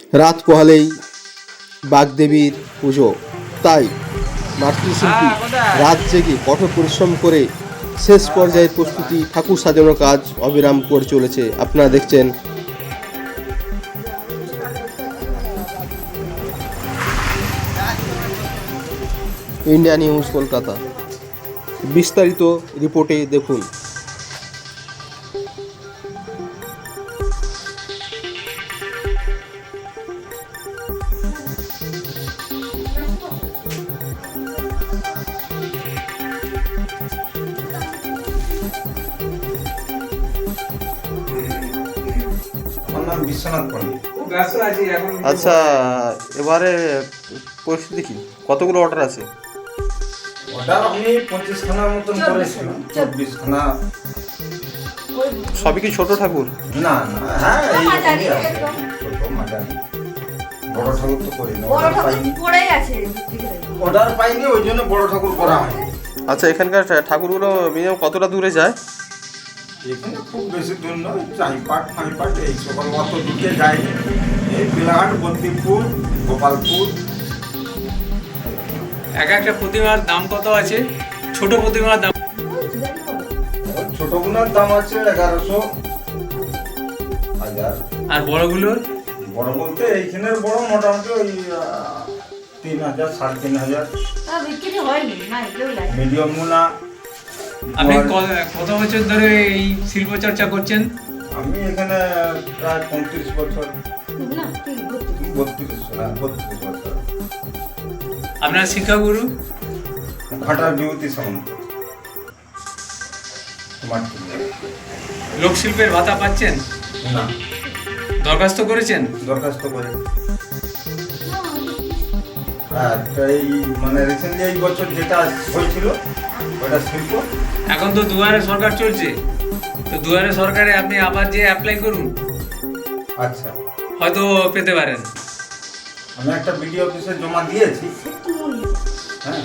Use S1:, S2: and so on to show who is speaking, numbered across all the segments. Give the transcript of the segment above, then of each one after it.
S1: রাত পোহালেই বাগদেবীর পুজো, তাই মাতৃশিল্পী রাত জেগে কঠোর পরিশ্রম করে শেষ পর্যায়ের প্রস্তুতি ঠাকুর সাজানোর কাজ অবিরাম করে চলেছে। আপনারা দেখছেন ইন্ডিয়া নিউজ কলকাতা। বিস্তারিত রিপোর্টে দেখুন।
S2: আমার নাম বিশ্বনাথ পণ্ডিত।
S1: আচ্ছা, এবারে পরিস্থিতি কি, কতগুলো অর্ডার আছে?
S2: অর্ডার আমি 25খানার মতন করেছিলাম, 24খানা।
S1: সবই কি ছোট ঠাকুর?
S2: না না, হ্যাঁ এইরকমই আছে, ছোট মাঝারি। বড় ঠাকুর তো করি না, অর্ডার পাইনি, ওই জন্য বড় ঠাকুর করা হয়।
S1: আচ্ছা, এখানকার ঠাকুরগুলো মিনিমাম কতটা দূরে যায়?
S2: এখানে খুব বেশি দূর নয়, চাইপাট ফাইপাট এই সকল অত দূরে যায়নি। এই বিলাহাট, বন্দিপুর, গোপালপুর।
S3: এক একটা প্রতিমার দাম কত আছে? ছোট প্রতিমার দাম?
S2: ছোটগুলোর দাম আছে 1100, 1000।
S3: আর বড়গুলোর?
S2: বড় বলতে এইখানের বড় মোটামুটি ওই 3000, 3500। মিডিয়াম গুলা
S3: আপনি কত বছর ধরে এই শিল্প চর্চা করছেন?
S2: আমি এখানে প্রায় 35 বছর, 32 বছর।
S3: আপনার শিক্ষাগুরু?
S2: ঘাটার বিভূতি সামন্ত।
S3: লোকশিল্পের ভাতা পাচ্ছেন?
S2: না,
S3: দরখাস্ত করেছেন?
S2: দরখাস্ত করে। হ্যাঁ, এই মানে রিসেন্টলি এই বছর যেটা হয়েছিল ওটা শিল্প।
S3: এখন তো দুয়ারে সরকার চলছে, তো দুয়ারে সরকারে আপনি আবার যে অ্যাপ্লাই করুন,
S2: আচ্ছা,
S3: হয়তো পেতে পারেন।
S2: আমি একটা বিডিও অফিসে জমা দিয়েছি। হ্যাঁ,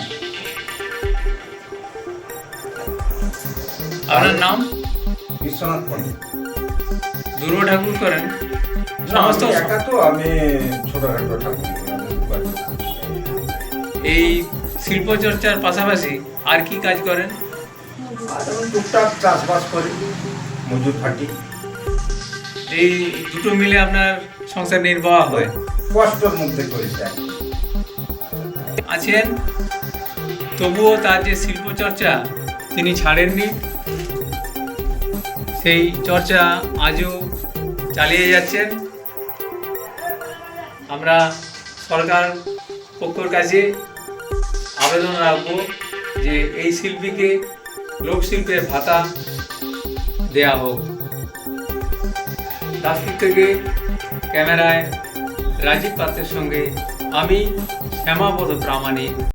S3: আপনার নাম?
S2: বিশ্বনাথ পণ্ডিত।
S3: দুর্গ ঠাকুর করেন?
S2: না,
S3: সমস্ত
S2: আমি একা তো, আমি ছোটখাটো ঠাকুর করি।
S3: এই শিল্প চর্চার পাশাপাশি আর কি কাজ করেন?
S2: আর আমি টুকটাক চাষবাস করি, মজুর খাটি।
S3: এই দুটো মিলে আপনার সংসার নির্বাহ হয়?
S2: কষ্টের মধ্যে করেছি।
S3: আছেন, তবুও তার যে শিল্প চর্চা তিনি ছাড়েননি, সেই চর্চা আজও চালিয়ে যাচ্ছেন। আমরা সরকার পক্ষের কাছে আবেদন রাখবো যে এই শিল্পীকে লোকশিল্পের ভাতা দেয়া হোক। দাসপুর থেকে ক্যামেরায় রাজীব পাত্রের সঙ্গে আমি শ্যামাপদ প্রামাণিক।